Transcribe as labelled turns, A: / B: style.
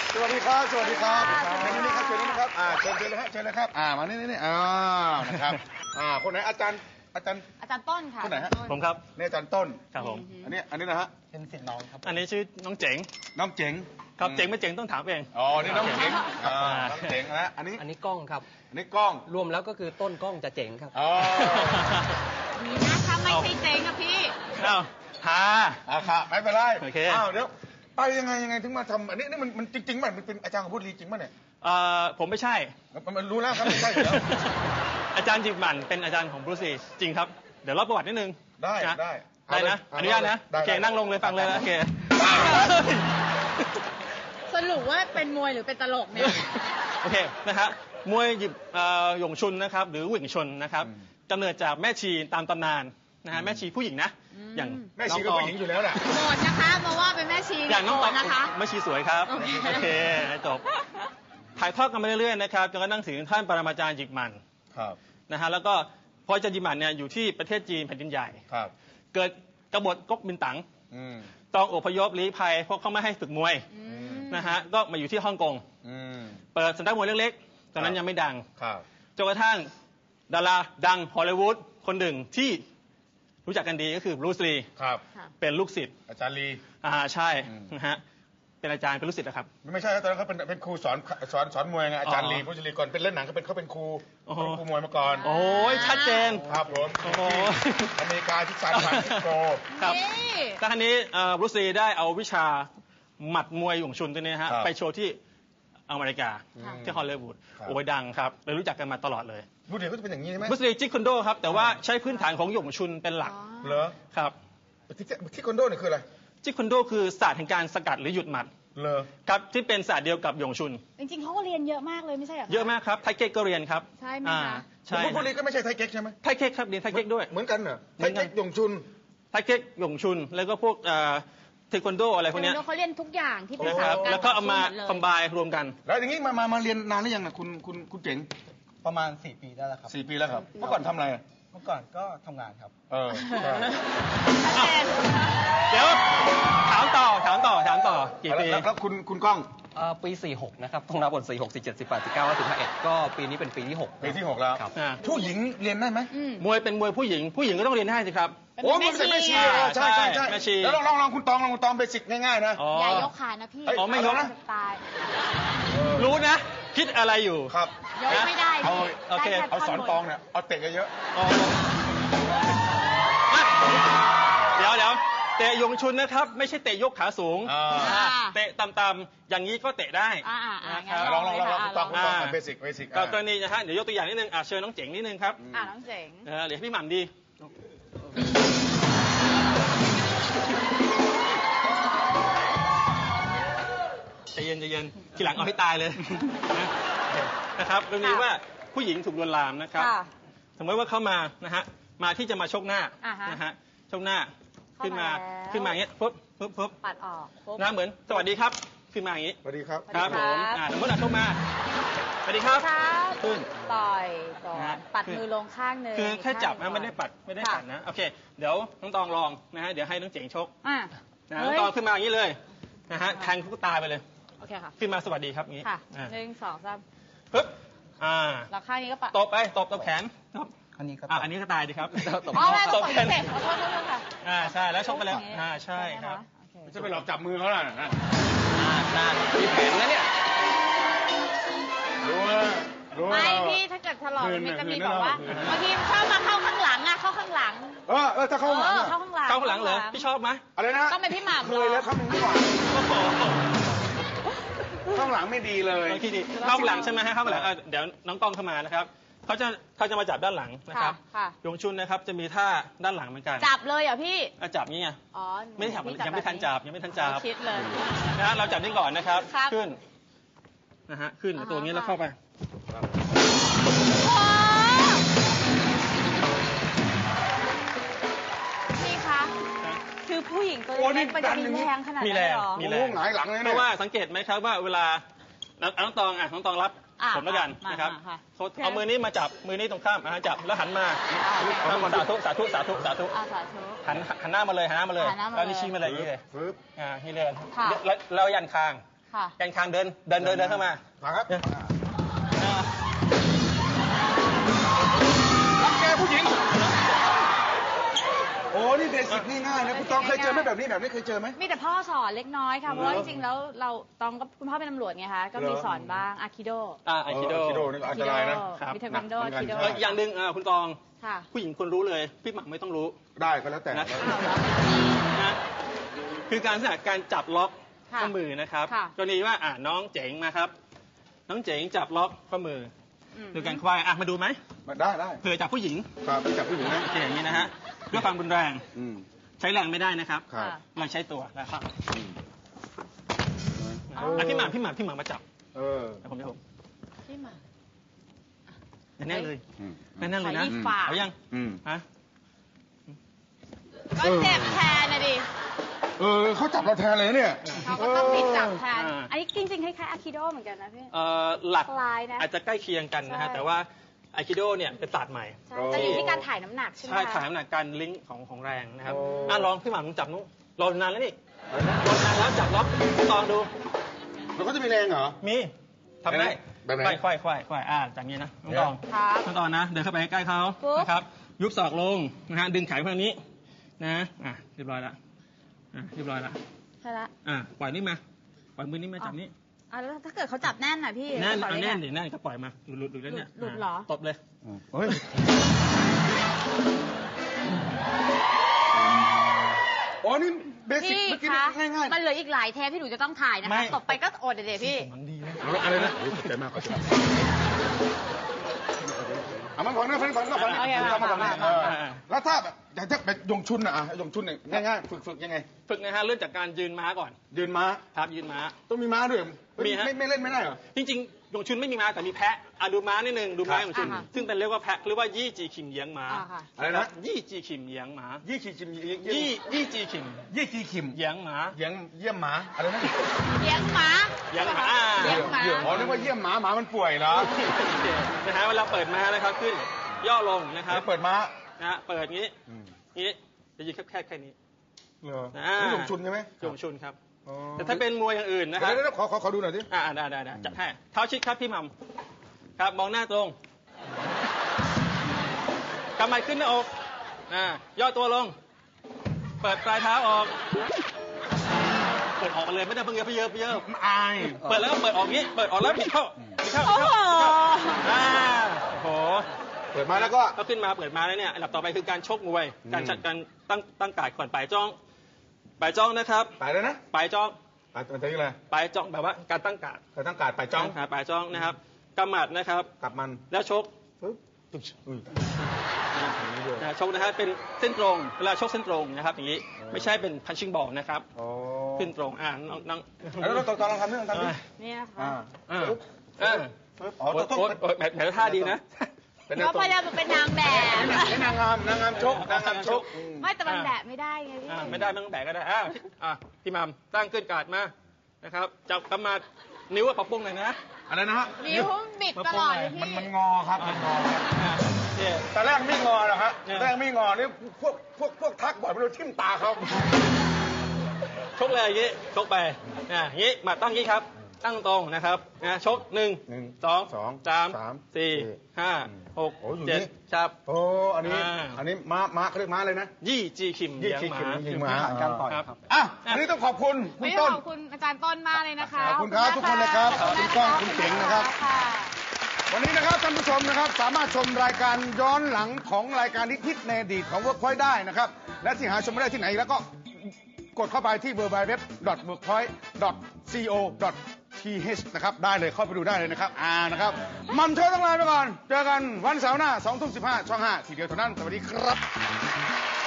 A: สวัสดีครับสวัสดีครับเชิญนี่ครับเชิญนี่ครับเชิญเลยฮะเชิญเลยครับมานี่นะครับคนไหนอาจารย์
B: ต้นค่ะ
A: คนไหนฮะ
C: ผมครับ
A: นี่อาจารย์ต้น
C: ครับผม
A: อันนี้นะฮะ
D: เป็นศิษย์น้องครับ
C: อันนี้ชื่อน้องเจ๋ง
A: น้องเจ๋ง
C: ครับเจ๋งไม่เจ๋งต้องถามเอง
A: อ๋อนี่น้องเจ๋งน้องเจ๋งนะอันนี้
D: กล้องครับ
A: อันนี้กล้อง
D: รวมแล้วก็คือต้นกล้องจะเจ๋งครับ
A: อ๋อ
B: นี่นะคะไม่ใช่เจ๋งอะพี่
A: ค่ะไม่เป็นไร
C: โอเค
A: เดี๋ยวไปยังไงถึงมาทำอันนี้มันจริงๆมันเป็นอาจารย์ของพุทธลีจริงป่ะเนี่ย
C: ผมไม่ใช่
A: มันรู้แล้วครับไม่ใช่แล้ว
C: อาจารย์จิมมันเป็นอาจารย์ของบรูซลีจริงครับเดี๋ยวเล่าประวัตินิดนึง
A: ได้
C: นะอนุญาตนะโอเคนั่งลงเลยฟังเลยโอเค
B: สรุปว่าเป็นมวยหรือเป็นตลกเนี่ย
C: โอเคนะฮะมวยหยิบหยงชุนนะครับหรือหวิ่งชนนะครับกำเนิดจากแม่ชีตามตำนานนะฮะแม่ชีผู้หญิงนะอย่าง
A: แม่ชีก็ผู้หญิงอยู่แล้วแหละ
B: โกรธนะคะมาว่าเป็นแม่ชี
C: อย่างน้องตอง
B: นะคะ
C: แม่ชีสวยครับโอเคจบถ่ายทอดกันไปเรื่อยๆนะครับจนกระทั่งถึงท่านปรมาจารย์จิกมันนะฮะแล้วก็พออาจารย์จิกมันเนี่ยอยู่ที่ประเทศจีนแผ่นดินใหญ่เกิดกบฏก๊กมินตั๋งต้องอพยพลี้ภัยเพราะเขาไม่ให้ฝึกมวยนะฮะก็มาอยู่ที่ฮ่องกงเปิดสำนักมวยเล็กๆตอนนั้นยังไม่ดังจนกระทั่งดาราดังฮอลลีวูดคนหนึ่งที่รู้จักกันดีก็คือบรูซลีเป็นลูกศิษย์
A: อาจารย์ลี
C: ใช่นะฮะเป็นอาจารย์เป็นลูกศิษย์นะครับ
A: ไม่ใช่ตอนนั้นเขาเป็นครูสอนมวยไงอาจารย์ลีบรูซลีก่อนเป็นเล่นหนังเขาเป็นครูมวยมาก่อน
C: โอ้ยชัดเจน
A: ครับผมอเมริกาที่ซานฟรานซิสโก
C: ครับแล้วครั้นี้บรูซลีได้เอาวิชาหมัดมวยหยงชุนตัวนี้ฮะไปโชว์ที่อเมริกาที่ฮอลลีวูดโอ้ยดังครับเลยรู้จักกันมาตลอดเลย
A: บรูซลีก็จะเป็นอย่างนี้ใช่ไหม
C: บรูซลีจิกคอนโดครับแต่ว่าใช้พื้นฐานของหยงชุนเป็นหลัก
A: เหรอ
C: ครับ
A: จิกคอนโดเนี่ยคืออะไร
C: จิกคอนโดคือศาสตร์แห่งการสกัดหรือหยุดหมัดครับที่เป็นศาสตร์เดียวกับหยงชุน
B: จริงๆเขาก็เรียนเยอะมากเลยไม่ใช่หรอ
C: เยอะมากครับไทเก๊กก็เรียนครับ
B: ใช่ไหมคะ
C: ใช่
A: พวกนี้ก็ไม่ใช่ไทเก๊กใช่ไหม
C: ไทเก๊กครับเรียนไทเก๊กด้วย
A: เหมือนกันเหรอไทเก๊กหยงชุน
C: ไทเก๊กหยงชุนแล้วก็พวกเทควันโดอะไรพวกนี้
B: เขาเรียนทุกอย่างที่เป็นศาสตร์
C: แล้วก็เอามาคอมไบน์รวมกัน
A: แล้วอย่างนี้มาเรียนนานหรือยังนะคุณเจ๋ง
D: ประมาณ4 ปีได้แล้วครับ
A: 4 ปีแล้วครับเมื่อก่อนทำอะไร
D: เมื่อก่อนก็ทำงานครับ
C: เดี๋ยวถามต่อกี่ปี
A: แล้วคุณก้อง
D: ปี46นะครับต้องนับบท46 47 18 19 51ก็ปีนี้เป็นปีที่6
A: ปีที่6แล้วผู้หญิงเรียนได้ไหม
C: มวยเป็นมวยผู้หญิงก็ต้องเรียนได้สิครับ
A: โอ้มันเป็นแม่ชีใช่แล้วลองคุณตองเบสิกง่ายๆนะ
B: อย่ายกขานะพี่
C: ไม่ยกนะรู้นะคิดอะไรอยู่
A: ครับ
B: ยกไม่ได้
A: โอเคเอาสอนตองเนี่ยเอาเตะเยอะ
C: เดี๋ยวเตะยงชุนนะครับไม่ใช่เตะยกขาสูงเตะต่ำๆอย่างนี้ก็เตะได้
A: ลองคุณตองเบสิก
C: กรณีนะฮะเดี๋ยวยกตัวอย่างนิดนึงเชิญน้องเจ๋งนิดนึงครับ
B: น้องเจ๋ง
C: เหลือพี่หม่ำดีใจเย็นทีหลังเอาให้ตายเลยนะครับเรื่องนี้ว่าผู้หญิงถูกลวนลามนะครับสมมติว่าเข้ามานะฮะมาที่จะมาชกหน้านะฮะชกหน้าขึ้นมาอย่างเงี้ยปุ๊บ
B: ปัดออก
C: นะเหมือนสวัสดีครับขึ้นมาอย่างงี้
A: สวัสดีครับ
C: ครับผมสมมติชกมาสวัสดีครับ
B: ขึ้นต่อยก่อนปัดมือลงข้างนึง
C: คือแค่จับนะไม่ได้ปัดนะโอเคเดี๋ยวน้องตองลองนะฮะเดี๋ยวให้น้องเจ๋งชกน้องตองขึ้นมาอย่างนี้เลยนะฮะแทงทุกตาไปเลย
B: โอเคค่ะ
C: ขึ้นมาสวัสดีครับงี้
B: ค่ะ1 2 3
C: ปึ๊บ
B: แล้วข้างนี้ก็ปัด
C: ตบแขน
D: อันนี้
C: ก็ตายดีครับ
B: ตบแขนขอโทษค่ะ
C: ใช่แล้วชกไปแล้วใช่ครับ
A: จะไปหลอกจับมือเขาล่ะ
D: น่ามีแผนนะเนี่ย
A: รู้
B: ไม่พี่ถ้าเกิดถลอกมันจะมีแบบว่าบางทีชอบมาเข้าข้างหลังเข้าข้างหลัง
A: ถ้าเข้าข้างหลัง
B: เข้าข้างหลัง
C: เหรอพี่ชอบไหม
A: อะไรนะ
B: ต้องเป็นพี่หม่ำ
A: เคยแล้วเข้าข้างหลังข้างหลังไม่ดีเลย
C: เข้าข้างหลังใช่ไหมฮะเข้าข้างหลังเดี๋ยวน้องตองเข้ามานะครับเขาจะมาจับด้านหลังนะครับยงชุนนะครับจะมีท่าด้านหลังเหมือนกัน
B: จับเลยเหรอพี่
C: จับนี่ไงไม่ได้จับยังไม่ทันจับ
B: คิดเลย
C: นะเราจับนี่ก่อนนะครับขึ้นนะฮะขึ้นตัวนี้แล้วเข้าไป
B: นี่คะคือผู้หญิงตัวเล็กมันจะมีแรงขนาดนั้นหรอ
A: มีแรงหงายหลังเลยนะ
C: เพราะว่าสังเกตไหมครับว่าเวลาน้องตองรับผมแล้วกันนะครับเอามือนี้มาจับมือนี้ตรงข้ามจับแล้วหันมาสาธุหันหน้ามาเลยแล้วนี่ชี้มาเลยอย่างนี้เลยนี่เลยแล้วยันคาง
B: ค่ะ
C: แกนคางเดินเข้ามา
A: มาครับ
C: อ่า
A: รังแกผู้หญิง โอ้นี่เบสิกง่ายๆนะคุณต้องเคยเจอไหมแบบนี้เคยเจอไหม
B: มีแต่พ่อสอนเล็กน้อยค่ะ เพราะว่าจริงๆแล้วเราตองก็คุณพ่อเป็นตำรวจไงคะ ก็มีสอนบ้างอาคิโด
C: ไอคิโด
A: คิโดนี่ก็อันตรายนะ
B: มีเทควันโด
A: หนักเหมือนกัน
B: คิโด
C: อย่างหนึ่งคุณตอง
B: ค่ะ
C: ผู้หญิงควรรู้เลย พี่หมักไม่ต้องรู้
A: ได้ก็แล้วแต่
C: นะ
B: อ้าวเหรอ
C: นะคือการจับล็อก
B: ค่ะ
C: ข้อมือนะครับ
B: ค่ะ
C: กรณีว่าน้องเจ๋งมาครับ น้องเจ๋งจับล็อกข้อมือ
B: อืม
C: โดยการควายมาดูไหม
A: ได้
C: เผื่อจับผู้หญิง
A: ครับไปจับผู้หญิงนะ
C: โอเคอย่างนี้นะฮะด้วยความรุนแรง
A: อืม
C: ใช้แรงไม่ได้นะครับ
A: ครับ
C: เราใช้ตัวนะครับ
A: อืม
C: พี่หมามาจับ
A: เออ
C: เดี๋ยวผม
B: พี่หมา
C: แน่นๆเลย
A: อืม
C: แน่นๆเลยนะ
B: ขอรีบฝาก
C: เอายัง
A: อืม
C: ฮะ
B: ก็เจ็บแทนนะดิ
A: เขาจับเราแทนเลยเนี่ย
B: เขาก็ต้องผิดจับแทน
C: อ่า
B: อันนี้จริงๆคล้ายๆอาคิโดเหมือนกันนะพี่
C: หลัก
B: คล้ายนะ
C: อาจจะใกล้เคียงกันนะฮะ
B: ใช่
C: แต่ว่าไอคิโดเนี่ยเป็นศาสตร์ใหม่
B: ใช่แต่อยู่ที่การถ่ายน้ำหนักใช่ไหม
C: ใช่
B: คะ
C: ถ่ายน้ำหนักการลิงก์ของแรงนะครับ
A: โอ้
C: ลองพี่หมามึงจับนู้นรอนานแล้วนี่รอนานแล้วจับล็อกลองดู
A: แล้วเขาจะมีแรงเหรอ
C: มีทำได้
A: แบบไหน
C: ควายจากนี้นะน้องตอง
B: ครับ
C: น้องตองนะ เดินเข้าไปใกล้เขา
B: ปุ๊บ
C: นะครับ ยุบศอกลงนะฮะ ดึงแขนข้างนี้นะเรียบร้อยละเรียบร้อยละ
B: ใช่ละ
C: ปล่อยนี่มา ปล่อยมือนี่มาจับนี้
B: แล้วถ้าเกิดเขาจับแน่นน่ะพี่
C: แน่น
B: จะปล่
C: เอา
B: อย
C: แน่น
B: ได้
C: ดิ
B: ไง
C: แน่นก็ปล่อยมา หลุดแล้วเนี่ย
B: หลุดเหรอ
C: ตบเลย
A: เฮ้ย อ๋อ นี่เบสิก
B: พี่
A: เมื่อกี้
B: คะ
A: ง่าย
B: มันเหลืออีกหลายเทปที่หนูจะต้องถ่ายนะ
C: ไม่
B: คะตบไปก็อดเดี๋ยวพี่
C: มันดีนะ
A: ๆอะไรนะโอ้ยขอบใจมากขอบใจมากเอามันก่อนนะเพื่อนก่อนนะก่อน
B: โอเค
A: เอามาก่อนนะ
B: มา
A: แล้วถ้าแบบอยากจะแบบยงชุนอ่ะยงชุนเนี่ยง่ายๆฝึกยังไง
C: ฝึกนะฮะเริ่มจากการยืนม้าก่อน
A: ยืนม้า
C: ครับยืนม้า
A: ต้องมีม้าด้วย
C: มีฮะ
A: ไม่เล่นไม่ได้เหรอ
C: จริงๆยงชุนไม่มีม้าแต่มีแพะดูม้านิดนึงดูม้า
A: ครับ
C: ยงชุน
B: อ่าฮะ
C: ซึ่งเป็นเรียกว่าแพะเรียกว่ายี่จีขิมเยียงม้า
B: อ่าค่ะ
A: อะไรนะ
C: ยี่จีขิมเยียงม้า
A: ยี่ขีจิม
C: ยี่จีขิม
A: ยี่ขีขิม
C: เยียงม้า
A: เยี่ยมหมาอะไรนะ
B: เลี้ยงหมา
C: เลี้ยงหมา
B: เลี้ยงหมา
A: อ๋อนึกว่าเยี่ยมหมาหมามันป่วยเหรอ
C: นะฮะเวลาเปิดม้านะครับขึ้น ย่อลงนะครับ
A: แล้วเปิดม้า
C: นะฮะเปิดงี้งี้จะยืนแค่นี้
A: เหรอ
C: อ่า
A: นี่ยงชุนใช่ไหม
C: ยงชุนครับ
A: อ๋อ
C: แต่ถ้าเป็นมวยอย่างอื่นนะครับ
A: เดี๋ยวขอดูหน่อยสิ
C: ได้จัดให้เท้าชิดครับพี่หมัมครับมองหน้าตรงกำไม้ขึ้นหน้าอกย่อตัวลง เปิดปลายเท้าออก เปิดออกมาเลยไม่ได้เพิ่งเยอะ
A: อาย
C: เปิดแล้วก็เปิดออกงี้ เปิดออกแล้วบิดเข้า
B: โอ้โห
C: โอ้โห
A: เปิดมาแล้วก็
C: ก็ขึ้นมาเปิดมาแล้วเนี่ยอันดับต่อไปคือการชกมวย การจัดการตั้งกาดก่อนปลายจ้องนะครับ
A: ไปเลยนะ
C: ปลายจ้อง
A: ไปมันจะยังไง
C: ปลายจ้องแบบว่าการตั้งกาด
A: ใครต้องการไปจ้อง
C: ปลายจ้องนะครับกำหมัดนะครับ
A: กลับมัน
C: แล้วชก
A: ปึ๊บอุ้ย
C: ชกนะฮะเป็นเส้นตรงเวลาชกเส้นตรงนะครับอย่างนี้ไม่ใช่เป็นพันชิงบอลนะครับ
A: อ๋อ
C: ขึ้นตรงน้อง
A: แล้วเราตอนลองทำนี่ลองทำดิ
B: นี่นะคะ
A: ปึ๊บปึ๊บอ๋อต้อง
C: แบบท่าดีนะ
A: เป็น
B: เพราะพยายามเป็นนางแบบ
A: นางงามชกชก
B: ไม่แต่มันแบบไม่ได้ไงพี่
C: ไม่ได้ไม่ต้องแบกก็ได้พี่มัมตั้งขึ้นกาดมานะครับจับกำมัดนิ้วปะปุ้งหน่อยนะ
A: อะไรนะฮะ
B: นิ้วบิดตลอดเลยพี่
A: มันงอครับมันงอ
C: เนี่ย
A: แต่แรกไม่งอหรอกฮะแรกไม่งอนี่พวกทักบ่อยไม่รู้ทิ่มตาเขา
C: ชกเลยอย่างนี้ชกไปอย่างนี้มาตั้งอย่างนี้ครับ ตั้งตรงนะครับชก1 2 3 4 5 6 7ครับ
A: โอ้อันนี้ม้าเขาเรียกม้าเลยนะ
C: ยี่จีขิม
A: ยี่
C: เลี้ยง
A: ขี
C: ห
A: ด
C: มา
A: ยิงม้า
D: การต่อย
C: ครับ
A: อันนี้ต้องขอบคุณคุณ
B: ไม่
A: ต้น
B: ขอบคุณอาจารย์ต้นมากเลยนะคะ
A: ขอบคุณครับทุกคนเลยครับ
B: ขอบคุณ
A: คุณก้องคุณเจ๋งนะครับ
B: ค่ะ
A: วันนี้นะครับท่านผู้ชมนะครับสามารถชมรายการย้อนหลังของรายการฮิตในอดีตของ Workpoint ได้นะครับ และที่หาชมไม่ได้ที่ไหนแล้วก็กดเข้าไปที่ www.workpoint.co.th นะครับได้เลยเข้าไปดูได้เลยนะครับนะครับมัมเธอต้องลาไปก่อนเจอกันวันเสาร์หน้า 20:15 ช่อง 5 ทีเดียวเท่านั้นสวัสดีครับ